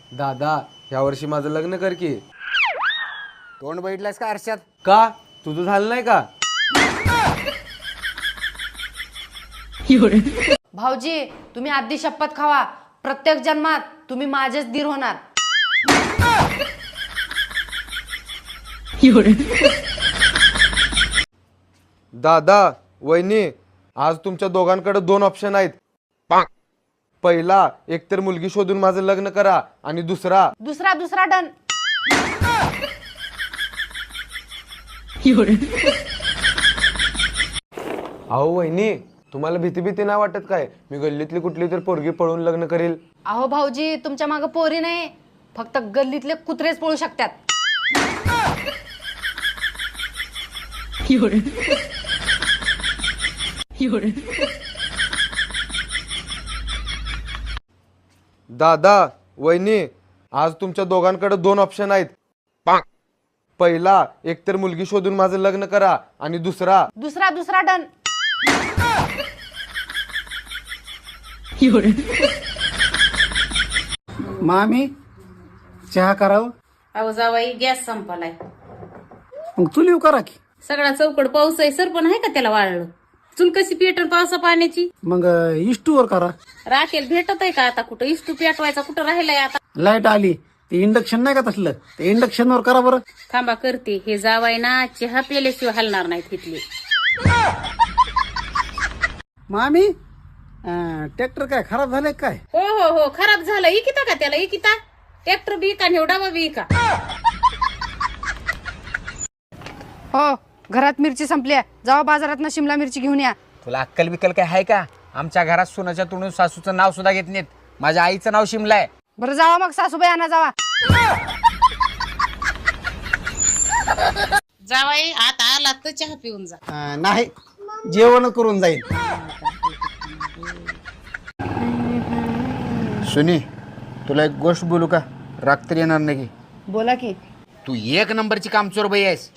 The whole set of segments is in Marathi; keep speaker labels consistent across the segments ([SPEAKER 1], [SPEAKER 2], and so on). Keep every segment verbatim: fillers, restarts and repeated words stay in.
[SPEAKER 1] दादा ह्या वर्षी माझं लग्न कर की.
[SPEAKER 2] तोंड बघितलंस का आरशात?
[SPEAKER 1] का तुझं झालं नाही का?
[SPEAKER 3] भाऊजी तुम्ही आधी शपथ खावा, प्रत्येक जन्मात तुम्ही माझेच दीर होणार.
[SPEAKER 1] दादा वहिनी आज तुमच्या दोघांकडे दोन ऑप्शन आहेत. पहिला एकतर मुलगी शोधून माझं लग्न करा आणि दुसरा
[SPEAKER 3] दुसरा दुसरा डन.
[SPEAKER 1] अहो वहिनी तुम्हाला भीती भीती नाही वाटत काय? मी गल्लीतली कुठली तर पोरगी पळून लग्न करील.
[SPEAKER 3] अहो भाऊजी तुमच्या मागे पोरी नाही, फक्त गल्लीतले कुत्रेच पळू शकतात.
[SPEAKER 1] दादा वहिनी आज तुमच्या दोघांकडे दोन ऑप्शन आहेत. पहिला एकतर मुलगी शोधून माझं लग्न करा आणि दुसरा
[SPEAKER 3] दुसरा दुसरा डन.
[SPEAKER 2] मामी चहा करावं.
[SPEAKER 4] अहो जावाई गॅस संपलाय.
[SPEAKER 2] मग चुली करा की.
[SPEAKER 4] सगळा चौकड पाऊस आहे, सर पण आहे का त्याला वाळलं? चूल कशी पेटल पावसा पाण्याची?
[SPEAKER 2] मग इष्टूवर करा.
[SPEAKER 4] राखेल भेटत आहे का आता? कुठं इष्टू पेटवायचा कुठं राहिलाय आता?
[SPEAKER 2] लाईट आली ते इंडक्शन नाही का तसलं, ते इंडक्शन वर करा बरं.
[SPEAKER 4] थांबा करते. हे जावाई ना चहा पेल्याशिवाय हलणार नाहीत तिथले.
[SPEAKER 2] मामी ट्रॅक्टर काय खराब झाले काय?
[SPEAKER 4] हो हो हो खराब झालं. इकिता का त्याला? इकिता ट्रॅक्टर बी का निवडावा बी का?
[SPEAKER 3] हो घरात मिरची संपली आहे, जावा बाजारात ना शिमला मिरची घेऊन या.
[SPEAKER 5] तुला अक्कल बिक्कल काय आहे का? आमच्या घरात सोनाच्या तोंडून सासूचं नाव सुद्धा घेत नाहीत. माझ्या आईचं नाव शिमला आहे.
[SPEAKER 3] बरं जावा मग सासूबाई आणा जावा.
[SPEAKER 4] जावाई आता आला तर चहा पिऊन जा.
[SPEAKER 2] अं, नाही जेवण करून जाईल.
[SPEAKER 5] सुनी तुला एक गोष्ट बोलू का? राग तर येणार नाही की?
[SPEAKER 3] बोला की.
[SPEAKER 5] तू एक नंबरची कामचोर बाई आहेस.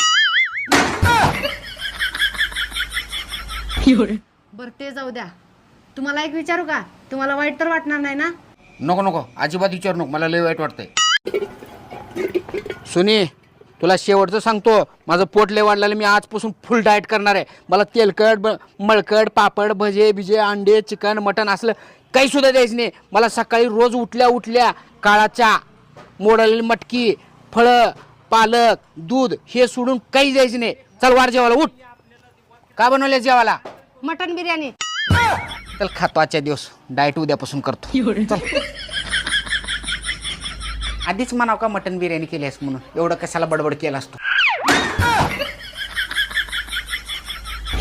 [SPEAKER 3] बरं ते जाऊ द्या, तुम्हाला एक विचारू का? तुम्हाला वाईट तर वाटणार नाही ना?
[SPEAKER 5] नको नको अजिबात विचारू नको, मला लय वाईट वाटतंय. सुनी तुला शेवटचं सांगतो, माझं पोट लय वाढलेलं. मी आजपासून फुल डाएट करणार आहे. मला तेलकट ब मळकट पापड भजे बिजे अंडे चिकन मटन असलं काही सुद्धा द्यायचं नाही. मला सकाळी रोज उठल्या उठल्या काळा चहा, मोडलेली मटकी, फळं, पालक, दूध हे सोडून काही द्यायचं नाही. चल वार जेवायला उठ. का बनवल्या जेवायला?
[SPEAKER 3] मटन बिर्याणी.
[SPEAKER 5] चल खातो आजच्या दिवस, डाएट उद्यापासून करतो. चल. आधीच म्हणाव का मटन बिर्याणी केली आहेस म्हणून, एवढं कशाला बडबड केला असतो.